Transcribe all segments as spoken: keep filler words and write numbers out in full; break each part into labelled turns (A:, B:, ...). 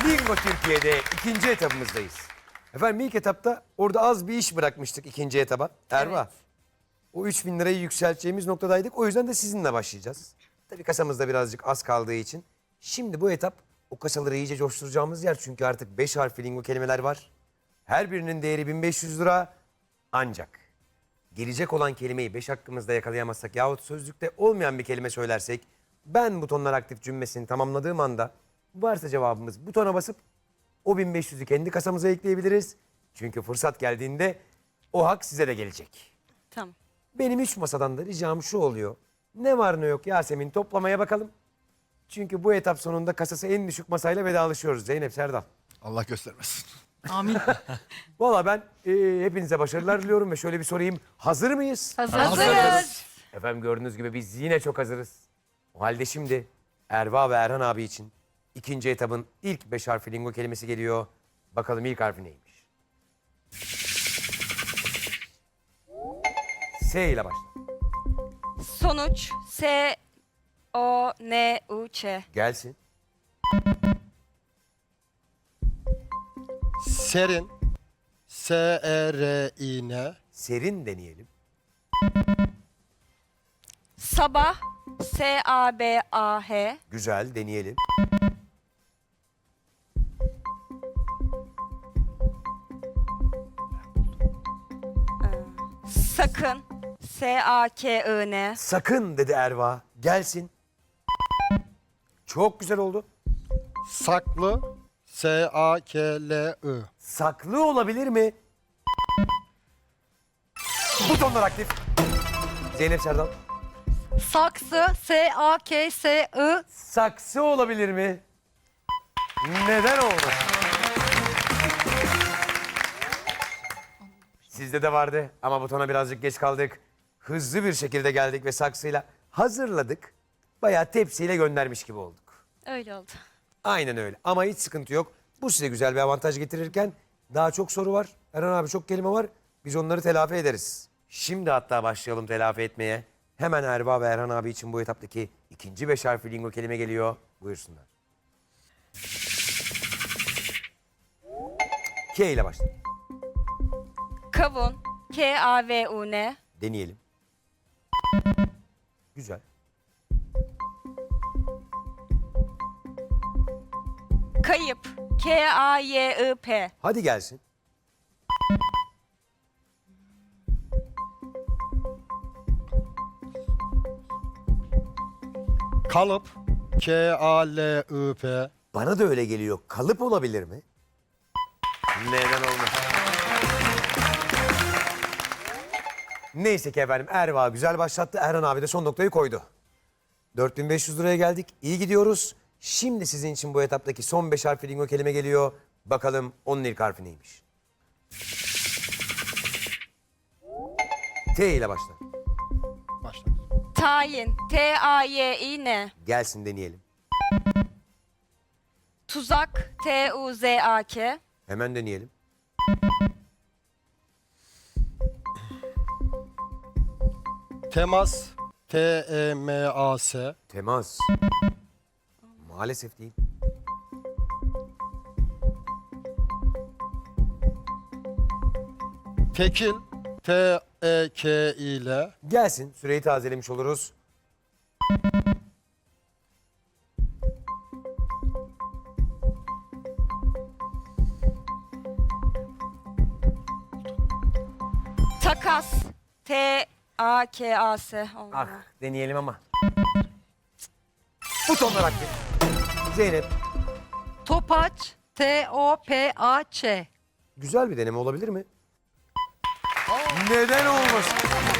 A: Bingo Türkiye'de ikinci etapımızdayız. Efendim ilk etapta orada az bir iş bırakmıştık ikinci etaba. Erva.
B: Evet.
A: O üç bin lirayı yükselteceğimiz noktadaydık. O yüzden de sizinle başlayacağız. Tabii kasamızda birazcık az kaldığı için. Şimdi bu etap o kasaları iyice coşturacağımız yer. Çünkü artık beş harfli lingo kelimeler var. Her birinin değeri bin beş yüz lira. Ancak gelecek olan kelimeyi beş hakkımızda yakalayamazsak yahut sözlükte olmayan bir kelime söylersek ben butonlar aktif cümlesini tamamladığım anda varsa cevabımız butona basıp o bin beş yüzü kendi kasamıza ekleyebiliriz. Çünkü fırsat geldiğinde o hak size de gelecek.
B: Tamam.
A: Benim üç masadan da ricam şu oluyor. Ne var ne yok Yasemin toplamaya bakalım. Çünkü bu etap sonunda kasası en düşük masayla vedalaşıyoruz Zeynep Serdal.
C: Allah göstermesin.
B: Amin.
A: Valla ben e, hepinize başarılar diliyorum ve şöyle bir sorayım. Hazır mıyız?
B: Hazırız.
A: Efendim gördüğünüz gibi biz yine çok hazırız. O halde şimdi Erva ve Erhan abi için ikinci etabın ilk beş harfli lingo kelimesi geliyor. Bakalım ilk harfi neymiş? S ile başla.
B: Sonuç S O N U Ç.
A: Gelsin.
C: Serin. S E R I N.
A: Serin deneyelim.
B: Sabah S A B A H.
A: Güzel deneyelim.
B: Sakın S A K I N.
A: Sakın dedi Erva. Gelsin. Çok güzel oldu.
C: Saklı. S A K L I.
A: Saklı olabilir mi? Butonlar aktif. Zeynep Serdal.
D: Saksı, S A K S I.
A: Saksı olabilir mi? Neden oldu? Sizde de vardı ama butona birazcık geç kaldık. Hızlı bir şekilde geldik ve saksıyla hazırladık. Bayağı tepsiyle göndermiş gibi olduk.
B: Öyle oldu.
A: Aynen öyle ama hiç sıkıntı yok. Bu size güzel bir avantaj getirirken daha çok soru var. Erhan abi çok kelime var. Biz onları telafi ederiz. Şimdi hatta başlayalım telafi etmeye. Hemen Erva ve Erhan abi için bu etaptaki ikinci beş harfli lingo kelime geliyor. Buyursunlar. K ile başla.
B: Kavun K A V U N.
A: Deneyelim. Güzel.
B: Kayıp K A Y I P.
A: Hadi gelsin.
C: Kalıp. K A L I P.
A: Bana da öyle geliyor. Kalıp olabilir mi? Neden olmaz? Neyse ki efendim Erva güzel başlattı. Erhan abi de son noktayı koydu. dört bin beş yüz liraya geldik. İyi gidiyoruz. Şimdi sizin için bu etaptaki son beş harfli lingo kelime geliyor. Bakalım onun ilk harfi neymiş? T ile başla.
C: Başla.
B: Tayin T A Y İ N.
A: Gelsin deneyelim.
B: Tuzak T U Z A K.
A: Hemen deneyelim.
C: Temas. T E M A S.
A: Temas. Maalesef değil.
C: Tekil. T E K İ L.
A: Gelsin. Süreyi tazelemiş oluruz.
B: Takas T A K A S. Olmadı.
A: Ah deneyelim ama. Butonlar aktif. Zeynep.
D: Topaç, T O P A Ç.
A: Güzel bir deneme olabilir mi? Neden olmasın?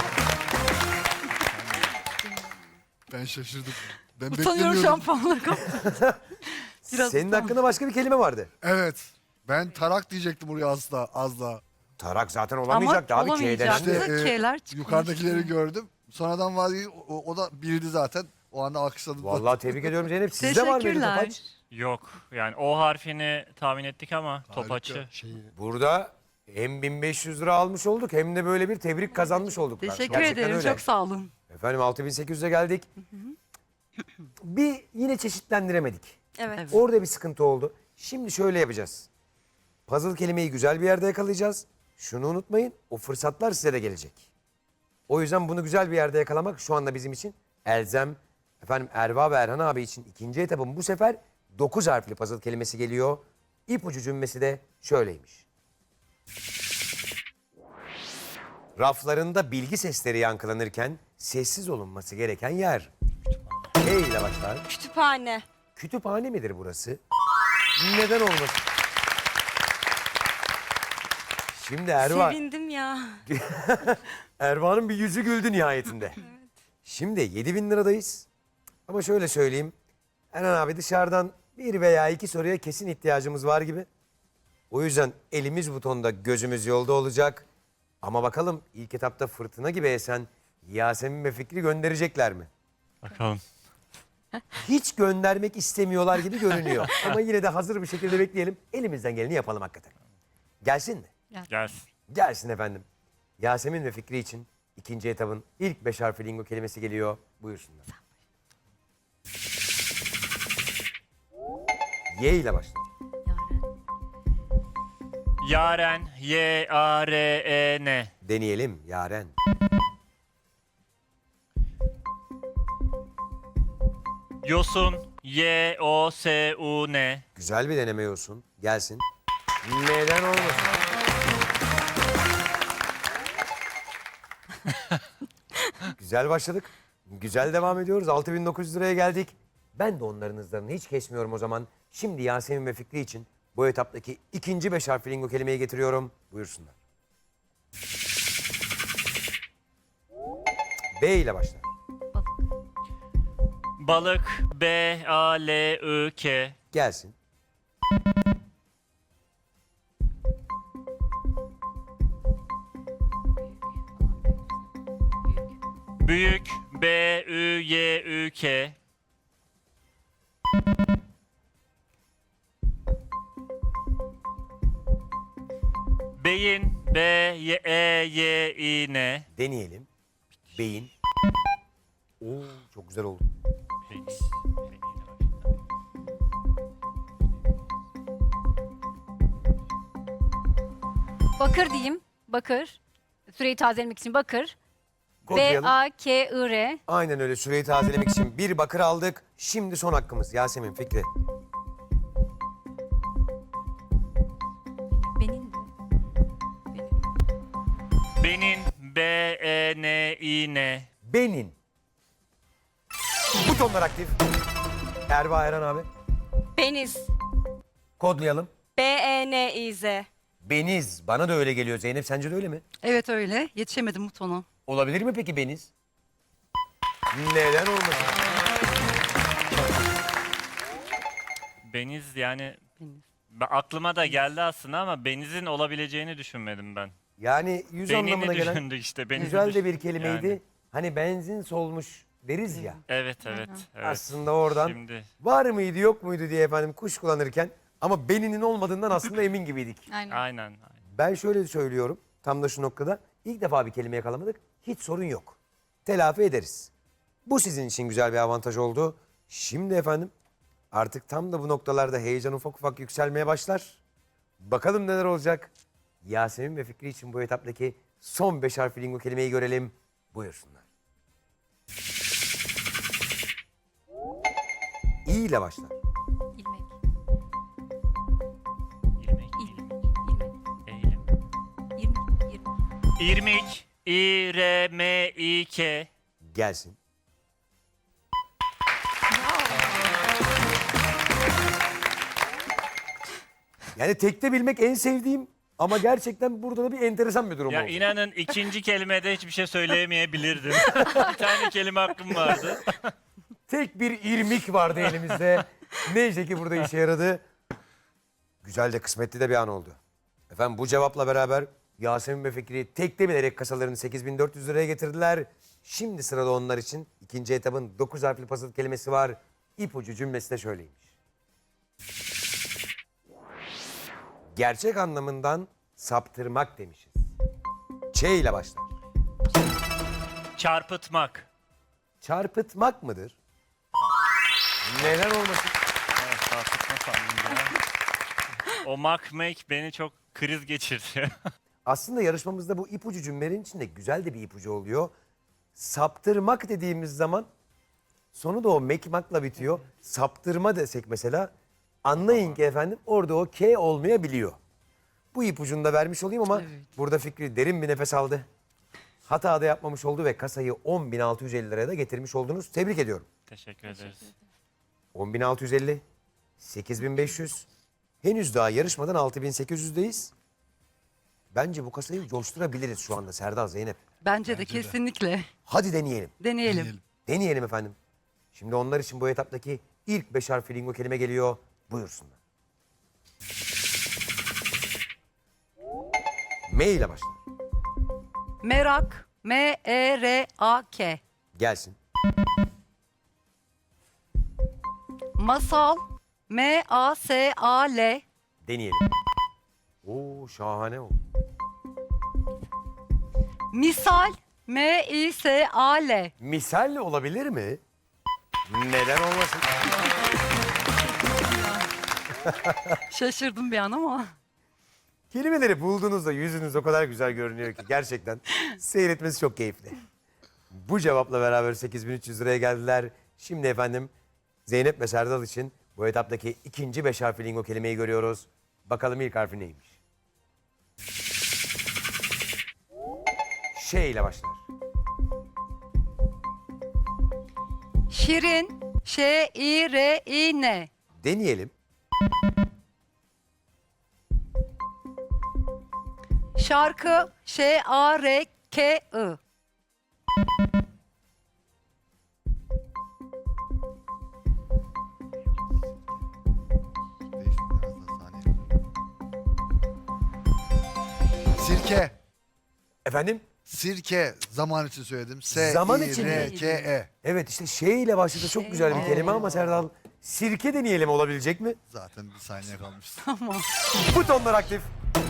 C: Ben şaşırdım. Ben
D: Utanıyorum şampuanları kaptım. Biraz
A: Senin
D: utan.
A: hakkında başka bir kelime vardı.
E: Evet. Ben tarak diyecektim oraya az daha. Az daha.
A: Tarak zaten
D: Ama
A: olamayacaktı abi. K denen
D: olamayacaktı.
A: de-
E: İşte, e,
D: K'ler çıkmış.
E: Yukarıdakileri gördüm. Sonradan vazgeçtim. O, o da bildi zaten. O anda alkışladım.
A: Vallahi tebrik ediyorum Zeynep. Sizde var mıydı
D: Teşekkürler.
A: topaç?
F: Yok. Yani O harfini tahmin ettik ama topaçı.
C: Şeyi.
A: Burada hem bin beş yüz lira almış olduk hem de böyle bir tebrik kazanmış olduk.
D: Teşekkür
A: Gerçekten
D: ederim.
A: öyle.
D: Çok sağ olun.
A: Efendim altı bin sekiz yüze geldik. Bir yine çeşitlendiremedik.
B: Evet.
D: Evet.
A: Orada bir sıkıntı oldu. Şimdi şöyle yapacağız. Puzzle kelimeyi güzel bir yerde yakalayacağız. Şunu unutmayın, o fırsatlar size de gelecek. O yüzden bunu güzel bir yerde yakalamak şu anda bizim için elzem. Efendim Erva ve Erhan abi için ikinci etapın bu sefer dokuz harfli puzzle kelimesi geliyor. İpucu cümlesi de şöyleymiş. Raflarında bilgi sesleri yankılanırken sessiz olunması gereken yer. E ile başlar.
B: Kütüphane.
A: Kütüphane midir burası? Neden olmasın? Şimdi Erva,
B: Sevindim ya.
A: Erva'nın bir yüzü güldü nihayetinde. Şimdi yedi bin liradayız. Ama şöyle söyleyeyim. Erhan abi dışarıdan bir veya iki soruya kesin ihtiyacımız var gibi. O yüzden elimiz butonda, gözümüz yolda olacak. Ama bakalım ilk etapta fırtına gibi esen Yasemin ve Fikri gönderecekler mi?
F: Bakalım.
A: Hiç göndermek istemiyorlar gibi görünüyor. Ama yine de hazır bir şekilde bekleyelim. Elimizden geleni yapalım hakikaten. Gelsin mi?
F: Gelsin.
A: Gelsin efendim. Yasemin ve Fikri için ikinci etabın ilk beş harfli lingo kelimesi geliyor. Buyursunlar. Y ile başlar.
F: Yaren. Y A R E N.
A: Deneyelim Yaren.
F: Yosun. Y O S U N.
A: Güzel bir deneme olsun. Gelsin. Neden olmasın? Güzel başladık. Güzel devam ediyoruz. altı bin dokuz yüz liraya geldik. Ben de onların hızlarını hiç kesmiyorum o zaman. Şimdi Yasemin ve Fikri için bu etaptaki ikinci beş harfli lingo kelimeyi getiriyorum. Buyursunlar. B ile başlar.
F: Balık. B A L I K.
A: Gelsin.
F: Büyük. B Ü Y Ü K. Beyin. B Y E Y İ N.
A: Deneyelim. Beyin. Oo, çok güzel oldu.
F: Beyin.
G: Bakır diyeyim. Bakır. Süreyi tazelemek için bakır. B
A: Kodlayalım.
G: A K I R.
A: Aynen öyle, süreyi tazelemek için bir bakır aldık. Şimdi son hakkımız Yasemin, Fikri.
G: Benim de. Benim.
F: Benin. B E N İ N.
A: Benin. Butonlar aktif. Erva Eren abi.
B: Beniz.
A: Kodlayalım.
B: B E N İ Z.
A: Beniz. Bana da öyle geliyor. Zeynep sence de öyle mi?
D: Evet öyle. Yetişemedim butona.
A: Olabilir mi peki Beniz? Neden olmasın?
F: Beniz yani
D: Beniz.
F: ben- aklıma da geldi aslında ama benizin olabileceğini düşünmedim ben.
A: Yani yüz
F: Benini
A: anlamına gelen
F: düşündük işte. Benizi
A: güzel de
F: düşün-
A: bir kelimeydi.
F: yani.
A: Hani benzin solmuş deriz ya.
F: Evet evet. evet.
A: Aslında oradan
F: Şimdi
A: var mıydı yok muydu diye efendim kuş kullanırken ama beninin olmadığından aslında emin gibiydik.
G: Aynen.
F: aynen. aynen.
A: Ben şöyle söylüyorum tam da şu noktada ilk defa bir kelime yakalamadık. Hiç sorun yok. Telafi ederiz. Bu sizin için güzel bir avantaj oldu. Şimdi efendim artık tam da bu noktalarda heyecan ufak ufak yükselmeye başlar. Bakalım neler olacak. Yasemin ve Fikri için bu etaptaki son beş harfli lingo kelimeyi görelim. Buyursunlar. İ ile başlar.
G: İlmek.
F: İrmik,
G: İlmek.
F: eğilim,
G: İlmek.
F: eğilim.
G: İrmik. İrmik.
F: İrmik. İ R M İ K.
A: Gelsin. Yani tekte bilmek en sevdiğim ama gerçekten burada da bir enteresan bir durum
F: Ya
A: oldu.
F: inanın ikinci kelimede hiçbir şey söyleyemeyebilirdim. Bir tane kelime hakkım vardı.
A: Tek bir irmik vardı elimizde. Neyse ki burada işe yaradı. Güzel de kısmetli de bir an oldu. Efendim bu cevapla beraber Yasemin ve Fikri tekte bilerek kasalarını sekiz bin dört yüz liraya getirdiler. Şimdi sırada onlar için ikinci etabın dokuz harfli puzzle kelimesi var. İpucu cümlesi de şöyleymiş. Gerçek anlamından saptırmak demişiz. Ç ile başlar.
F: Çarpıtmak.
A: Çarpıtmak mıdır? Neden olmasın?
F: Evet, çarpıtma sandım ya. O mak make beni çok kriz geçirdi.
A: Aslında yarışmamızda bu ipucu cümlelerin içinde güzel de bir ipucu oluyor. Saptırmak dediğimiz zaman sonu da o mekmakla bitiyor. Saptırma desek mesela anlayın ki efendim orada o K olmayabiliyor. Bu ipucunu da vermiş olayım ama burada Fikri derin bir nefes aldı. Hata da yapmamış oldu ve kasayı on bin altı yüz elli liraya da getirmiş oldunuz. Tebrik ediyorum.
F: Teşekkür ederiz.
A: on bin altı yüz elli, sekiz bin beş yüz. Henüz daha yarışmadan altı bin sekiz yüzdeyiz. Bence bu kasayı coşturabiliriz şu anda Serdar, Zeynep.
D: Bence de kesinlikle.
A: Hadi deneyelim.
D: Deneyelim.
A: Deneyelim efendim. Şimdi onlar için bu etaptaki ilk beş harfli lingo kelime geliyor. Buyursunlar. M ile başlar.
D: Merak. M E R A K.
A: Gelsin.
D: Masal. M A S A L.
A: Deneyelim. Oo şahane o.
D: Misal. M I S A L.
A: Misal olabilir mi? Neden olmasın?
D: Şaşırdım bir an ama.
A: Kelimeleri bulduğunuzda yüzünüz o kadar güzel görünüyor ki gerçekten seyretmesi çok keyifli. Bu cevapla beraber sekiz bin üç yüz liraya geldiler. Şimdi efendim Zeynep ve Serdal için bu etaptaki ikinci beş harfli lingo kelimeyi görüyoruz. Bakalım ilk harfi neymiş? Ş ile başlar.
D: Şirin. Ş I R I N.
A: Deneyelim.
D: Şarkı. Ş A R K I.
E: Değişti biraz daha saniye. Sirke.
A: Efendim?
E: Sirke. Zaman için söyledim. S
A: Zaman
E: I
A: için
E: R
A: mi?
E: K E.
A: Evet işte Ş ile başladı çok güzel bir kelime ama Serdal sirke deneyelim olabilecek mi?
E: Zaten bir saniye kalmış.
A: Butonlar aktif.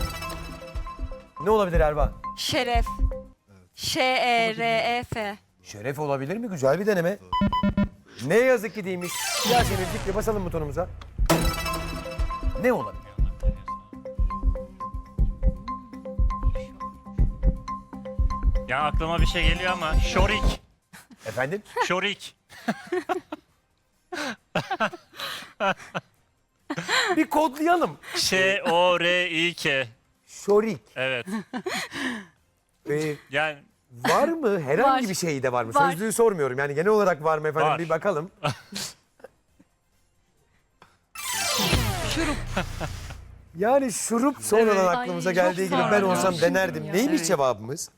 A: Ne olabilir Erba?
B: Şeref. Ş E R E F.
A: Şeref olabilir mi? Güzel bir deneme. Ne yazık ki değilmiş. Yasemin Fikri basalım butonumuza. Ne olabilir?
F: Ya aklıma bir şey geliyor ama şorik.
A: Efendim?
F: Şorik.
A: Bir kodlayalım.
F: Ş O R I K.
A: Şorik.
F: Evet.
A: Ee,
F: Yani
A: var mı? Herhangi
G: Var.
A: bir şey de var mı?
G: Var.
A: Sözlüğü sormuyorum. Yani genel olarak var mı efendim?
F: Var.
A: Bir bakalım.
D: Şurup.
A: Yani şurup sonradan
D: Evet.
A: aklımıza
G: Ay,
A: geldiği
G: çok
A: gibi ben
G: sağ ol.
A: olsam
G: Düşündüm
A: denerdim.
G: ya.
A: Neymiş
D: Evet.
A: cevabımız?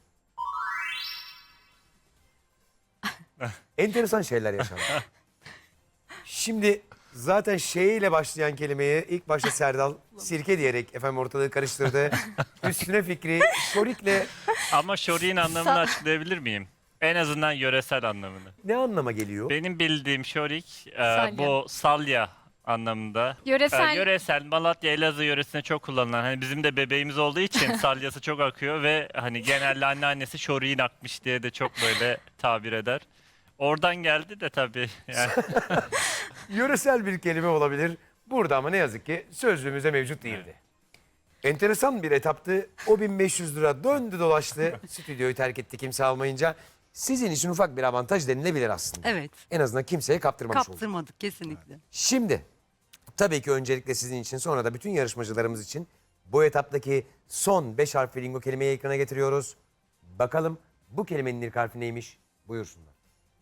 A: Enteresan şeyler yaşandı. Şimdi zaten şey ile başlayan kelimeyi ilk başta Serdal sirke diyerek efendim ortalığı karıştırdı. Üstüne Fikri şorikle
F: ama şoriğin anlamını açıklayabilir miyim? En azından yöresel anlamını.
A: ne anlama geliyor?
F: Benim bildiğim şorik e,
G: Salya.
F: bu salya anlamında.
G: Yöresel-
F: E, yöresel Malatya Elazığ yöresinde çok kullanılan. Hani bizim de bebeğimiz olduğu için salyası çok akıyor ve hani genelde anneannesi şoriğin akmış diye de çok böyle tabir eder. Oradan geldi de tabii. Yani.
A: Yöresel bir kelime olabilir. Burada ama ne yazık ki sözlüğümüzde mevcut değildi. Enteresan bir etaptı. O bin beş yüz lira döndü dolaştı. Stüdyoyu terk etti kimse almayınca. Sizin için ufak bir avantaj denilebilir aslında.
D: Evet.
A: En azından kimseye kaptırmamış olduk.
D: Kaptırmadık kesinlikle.
A: Şimdi tabii ki öncelikle sizin için sonra da bütün yarışmacılarımız için bu etaptaki son beş harfli lingo kelimeyi ekrana getiriyoruz. Bakalım bu kelimenin ilk harfi neymiş? Buyursunlar.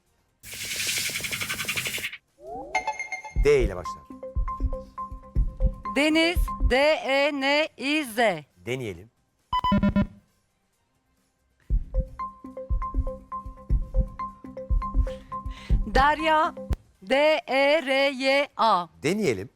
A: D ile başlar.
D: Deniz. D E N İ Z.
A: Deneyelim.
D: Derya. D E R Y A.
A: Deneyelim.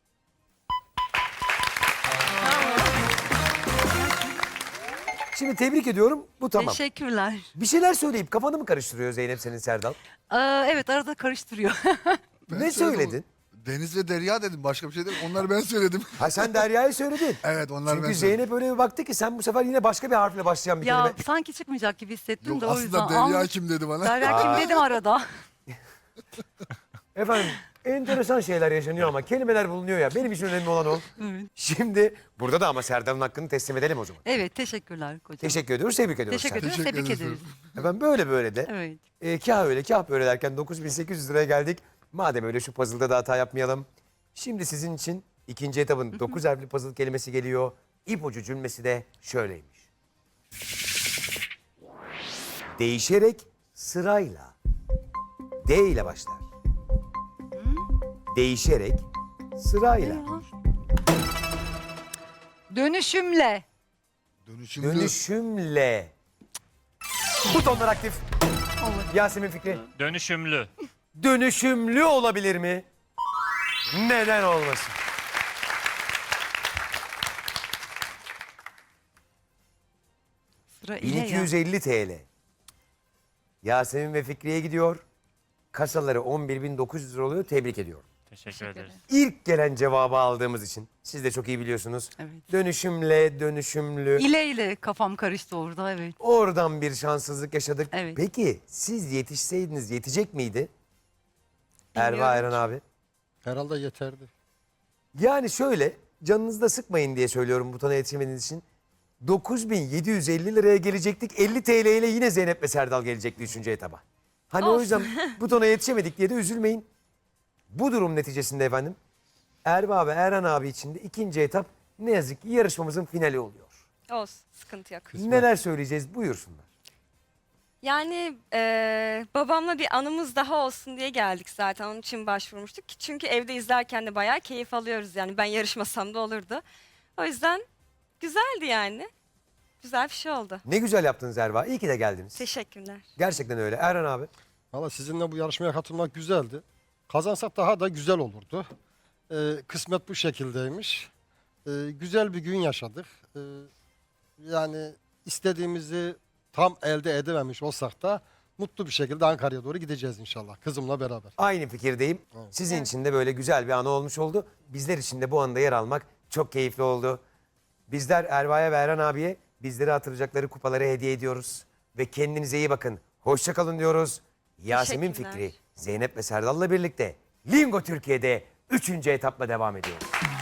A: Şimdi tebrik ediyorum. Bu tamam.
D: Teşekkürler.
A: Bir şeyler söyleyip kafanı mı karıştırıyor Zeynep senin Serdal?
D: Aa, evet arada karıştırıyor.
E: Ben
A: Ne
E: söyledim.
A: söyledin?
E: Deniz ve Derya dedim. Başka bir şey dedim. Onları ben söyledim.
A: Ha sen Derya'yı söyledin.
E: Evet onları
A: Çünkü
E: ben söyledim.
A: Zeynep öyle bir baktı ki sen bu sefer yine başka bir harfle başlayan bir
D: ya
A: kelime.
D: sanki çıkmayacak gibi hissettim
E: Yok
D: de o yüzden.
E: aslında Derya
D: Ama-
E: kim dedi bana.
D: Derya kim dedim arada.
A: Efendim Enteresan şeyler yaşanıyor ama kelimeler bulunuyor ya. Benim için önemli olan o. Şimdi burada da ama Serdal'ın hakkını teslim edelim o zaman.
D: Evet, teşekkürler kocam.
A: Teşekkür ediyoruz, tebrik ediyoruz.
D: Teşekkür
A: Serdal.
D: ediyoruz,
E: Teşekkür
D: tebrik
E: ederiz.
D: ederiz.
A: Efendim böyle böyle de.
D: Evet.
A: E, kah öyle kah böyle derken dokuz bin sekiz yüz liraya geldik. Madem öyle şu puzzle'da da hata yapmayalım. Şimdi sizin için ikinci etapın dokuz harfli puzzle kelimesi geliyor. İpucu cümlesi de şöyleymiş. Değişerek sırayla. D ile başlar. Değişerek sırayla.
D: Dönüşümle.
E: Dönüşümlü.
A: Dönüşümle. Butonlar aktif. Yasemin Fikri.
F: Dönüşümlü.
A: Dönüşümlü olabilir mi? Neden olmasın?
D: Sıra ile ya.
A: bin iki yüz elli T L. Yasemin ve Fikri'ye gidiyor. Kasaları on bir bin dokuz yüz lira oluyor. Tebrik ediyorum.
F: Teşekkür ederiz.
A: İlk gelen cevabı aldığımız için siz de çok iyi biliyorsunuz.
D: Evet.
A: Dönüşümle, dönüşümlü.
D: İle ile kafam karıştı orada, evet.
A: Oradan bir şanssızlık yaşadık.
D: Evet.
A: Peki siz yetişseydiniz yetecek miydi? Erva
B: Bilmiyorum
A: Eren
B: ki.
A: abi.
C: Herhalde yeterdi.
A: Yani şöyle canınızda sıkmayın diye söylüyorum butona yetişemediğiniz için. dokuz bin yedi yüz elli liraya gelecektik. elli T L ile yine Zeynep ve Serdal gelecekti üçüncü etaba. Hani o
B: Olsun.
A: yüzden butona yetişemedik diye de üzülmeyin. Bu durum neticesinde efendim Erva ve Eren abi için de ikinci etap ne yazık ki yarışmamızın finali oluyor.
B: Olsun, sıkıntı yok.
A: Neler söyleyeceğiz buyursunlar.
B: Yani eee, babamla bir anımız daha olsun diye geldik zaten. Onun için başvurmuştuk. Çünkü evde izlerken de bayağı keyif alıyoruz yani. Ben yarışmasam da olurdu. O yüzden güzeldi yani. Güzel bir şey oldu.
A: Ne güzel yaptınız Erva. İyi ki de geldiniz.
B: Teşekkürler.
A: Gerçekten öyle. Eren abi.
C: Valla sizinle bu yarışmaya katılmak güzeldi. Kazansak daha da güzel olurdu. Ee, kısmet bu şekildeymiş. Ee, güzel bir gün yaşadık. Ee, yani istediğimizi tam elde edememiş olsak da mutlu bir şekilde Ankara'ya doğru gideceğiz inşallah kızımla beraber.
A: Aynı fikirdeyim. Sizin için de böyle güzel bir anı olmuş oldu. Bizler için de bu anda yer almak çok keyifli oldu. Bizler Erva'ya ve Eren abiye bizleri hatırlayacakları kupaları hediye ediyoruz. Ve kendinize iyi bakın. Hoşça kalın diyoruz. Yasemin
B: Teşekkürler.
A: Fikri, Zeynep ve Serdal'la birlikte Lingo Türkiye'de üçüncü etapla devam ediyoruz.